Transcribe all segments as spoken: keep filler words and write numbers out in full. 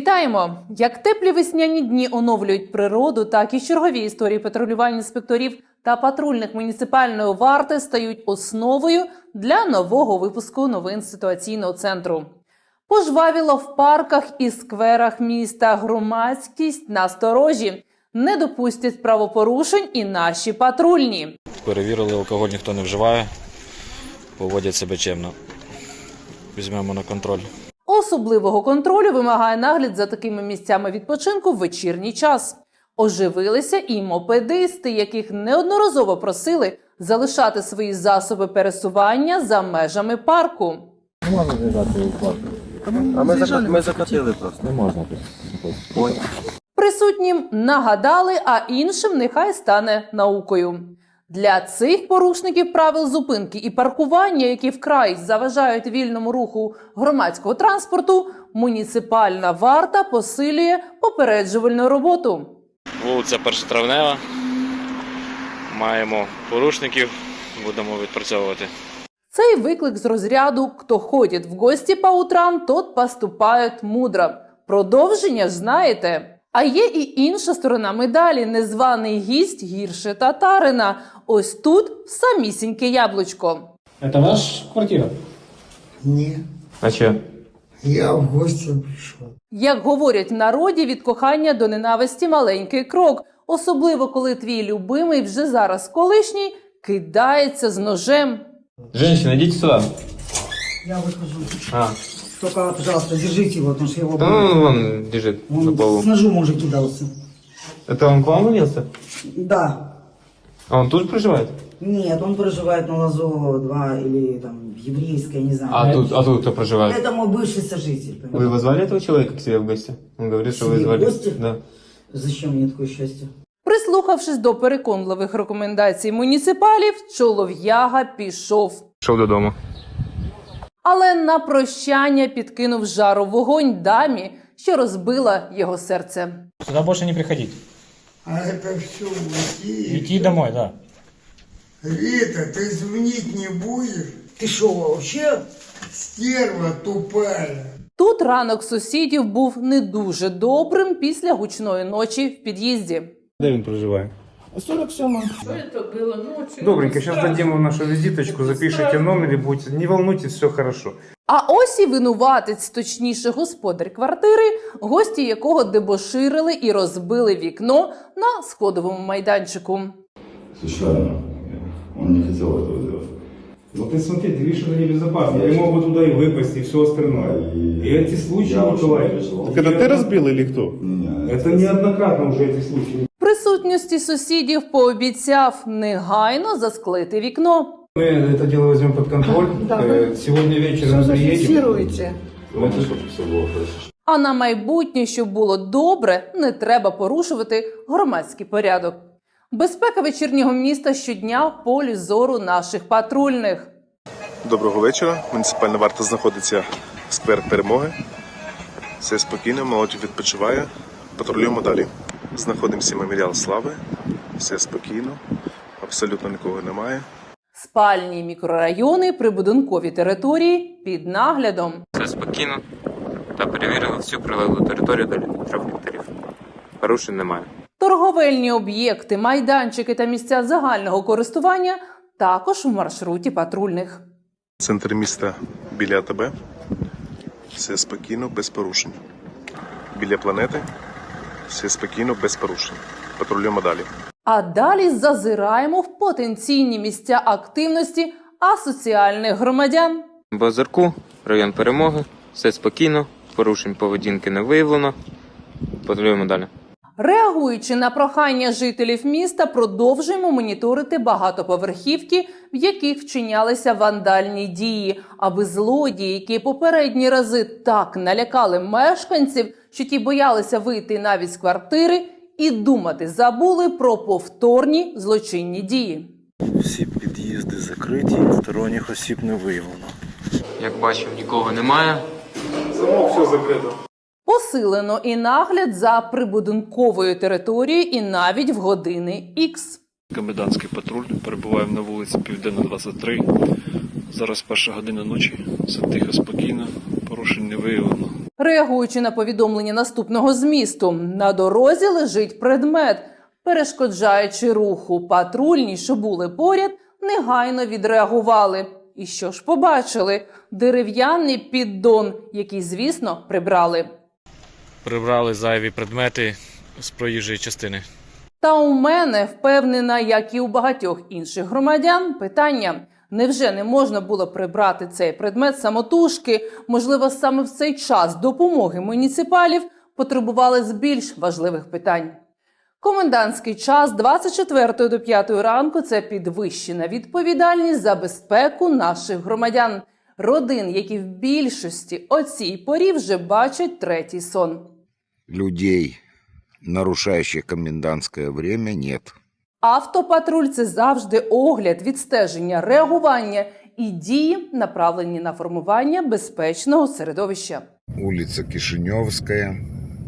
Вітаємо! Як теплі весняні дні оновлюють природу, так і чергові історії патрулювання інспекторів та патрульних муніципальної варти стають основою для нового випуску новин ситуаційного центру. Пожвавіло в парках і скверах міста, громадськість насторожі. Не допустять правопорушень і наші патрульні. Перевірили, алкоголь ніхто не вживає, поводять себе чемно. Візьмемо на контроль. Особливого контролю вимагає нагляд за такими місцями відпочинку в вечірній час. Оживилися і мопедисти, яких неодноразово просили залишати свої засоби пересування за межами парку. Не можна з'їжджати у парк. А ми, зак... ми закатили просто. Не можна тут. Присутнім нагадали, а іншим нехай стане наукою. Для цих порушників правил зупинки і паркування, які вкрай заважають вільному руху громадського транспорту, муніципальна варта посилює попереджувальну роботу. Вулиця Першотравнева. Маємо порушників, будемо відпрацьовувати. Цей виклик з розряду «Хто ходить в гості по утрам, тот поступает мудро». Продовження знаєте. А є і інша сторона медалі – незваний гість гірше татарина. Ось тут самісіньке яблучко. Это ваша квартира? Ні. А че? Я в гості прийшов. Як говорять в народі, від кохання до ненависті маленький крок. Особливо, коли твій любимий, вже зараз колишній, кидається з ножем. Женщина, идите сюда. Я выхожу. А, Только, пожалуйста, держите его, потому что я его... да он вон лежит Он на полу. с ножом уже кидался. Это он к вам влился? Да. А он тут проживает? Нет, он проживает на Лазо два или там еврейская, не знаю. А тут, а тут кто проживает? Это мой бывший сожитель. Вы понимаете? его звали, этого человека, к себе в гости? Он говорит, что вы Себе в звали. гости? Да. Зачем мне такое счастье? Прислухавшись до переконливих рекомендацій муніципалів, чолов'яга пішов. Шел додому. Але на прощання підкинув жару вогонь дамі, що розбила його серце. Сюда больше не приходить. А это все уйти. Идти домой, да. Рита, ты звонить не будешь? Ты что, вообще? Стерва тупая. Тут ранок сусідів був не дуже добрим після гучної ночі в під'їзді. Де він проживає? сорок семь. Добренько, сейчас дадим вам нашу визиточку, запишите номер и будете. Не волнуйтесь, все хорошо. А ось і винуватець, точніше господар квартири, гості якого дебоширили і розбили вікно на сходовому майданчику. Случайно. Он не хотел этого делать. Ну ты смотри, ты видишь, это небезопасно. Они могут туда и выпасть, и все остальное. И эти случаи, Я Николай, переживал. это ты разбил или кто? Не, Это неоднократно уже эти случаи. В присутності сусідів пообіцяв негайно засклити вікно. Мы это дело возьмем под контроль. Э, Сегодня вечером мы приедем. Главное, чтобы все было хорошо. А на майбутнє, щоб було добре, не треба порушувати громадський порядок. Безпека вечірнього міста щодня в полі зору наших патрульних. Доброго вечора. Муніципальна варта знаходиться в сквер Перемоги. Все спокійно, молодь відпочиває. Патрулюємо далі. Знаходимося меморіал Слави. Все спокійно, абсолютно нікого немає. Спальні мікрорайони, прибудинкові території під наглядом. Все спокійно та перевірили всю прилеглу територію до трьох гектарів. Порушень немає. Торговельні об'єкти, майданчики та місця загального користування також в маршруті патрульних. Центр міста біля АТБ. Все спокійно, без порушень. Біля планети. Все спокійно, без порушень. Патрулюємо далі. А далі зазираємо в потенційні місця активності асоціальних громадян. В Озерку, район Перемоги, все спокійно, порушень поведінки не виявлено. Патрулюємо далі. Реагуючи на прохання жителів міста, продовжуємо моніторити багатоповерхівки, в яких вчинялися вандальні дії, аби злодії, які попередні рази так налякали мешканців, що ті боялися вийти навіть з квартири, і думати забули про повторні злочинні дії. Всі під'їзди закриті, сторонніх осіб не виявлено. Як бачимо, нікого немає. Замок все закрито. Посилено і нагляд за прибудинковою територією і навіть в години ікс. Комендантський патруль. Перебуваємо на вулиці Південна, двадцять три. Зараз перша година ночі. Все тихо, спокійно. Порушень не виявлено. Реагуючи на повідомлення наступного змісту, на дорозі лежить предмет, перешкоджаючи руху. Патрульні, що були поряд, негайно відреагували. І що ж побачили? Дерев'яний піддон, який, звісно, прибрали. Прибрали зайві предмети з проїжджої частини. Та у мене, впевнена, як і у багатьох інших громадян, питання. Невже не можна було прибрати цей предмет самотужки? Можливо, саме в цей час допомоги муніципалів потребували з більш важливих питань. Комендантський час з двадцять четвертої до п'ятої ранку – це підвищена відповідальність за безпеку наших громадян. Родин, які в більшості о цій порі вже бачать третій сон. Людей, нарушающих комендантское время, нет. Автопатруль – це завжди огляд, відстеження, реагування і дії, направлені на формування безпечного середовища. Улица Кишиневская.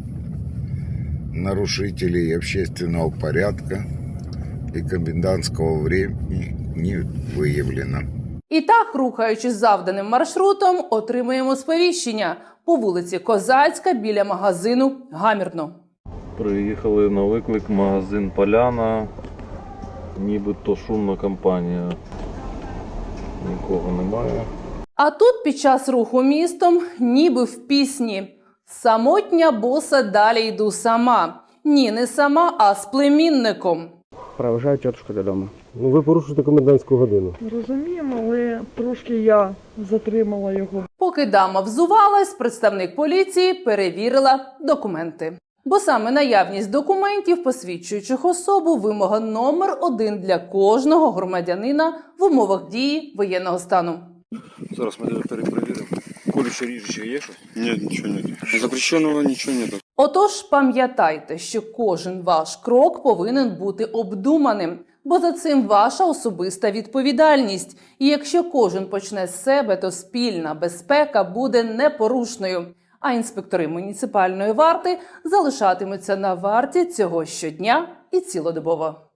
Нарушителей общественного порядка и комендантского времени не выявлено. І так, рухаючись завданим маршрутом, отримуємо сповіщення по вулиці Козацька біля магазину «Гамірно». Приїхали на виклик магазин «Поляна». Нібито шумна компанія. Нікого немає. А тут під час руху містом, ніби в пісні «Самотня боса, далі йду сама». Ні, не сама, а з племінником. Провожаю тетушку додому. Ну ви порушуєте комендантську годину. Розуміємо, але трошки я затримала його. Поки дама взувалась, представник поліції перевірила документи. Бо саме наявність документів, посвідчуючих особу, вимога номер один для кожного громадянина в умовах дії воєнного стану. Зараз ми перепровіримо. Колюче ріжуче є щось? Ні, нічого немає. Запрещеного нічого немає. Отож, пам'ятайте, що кожен ваш крок повинен бути обдуманим, бо за цим ваша особиста відповідальність. І якщо кожен почне з себе, то спільна безпека буде непорушною. А інспектори муніципальної варти залишатимуться на варті цього щодня і цілодобово.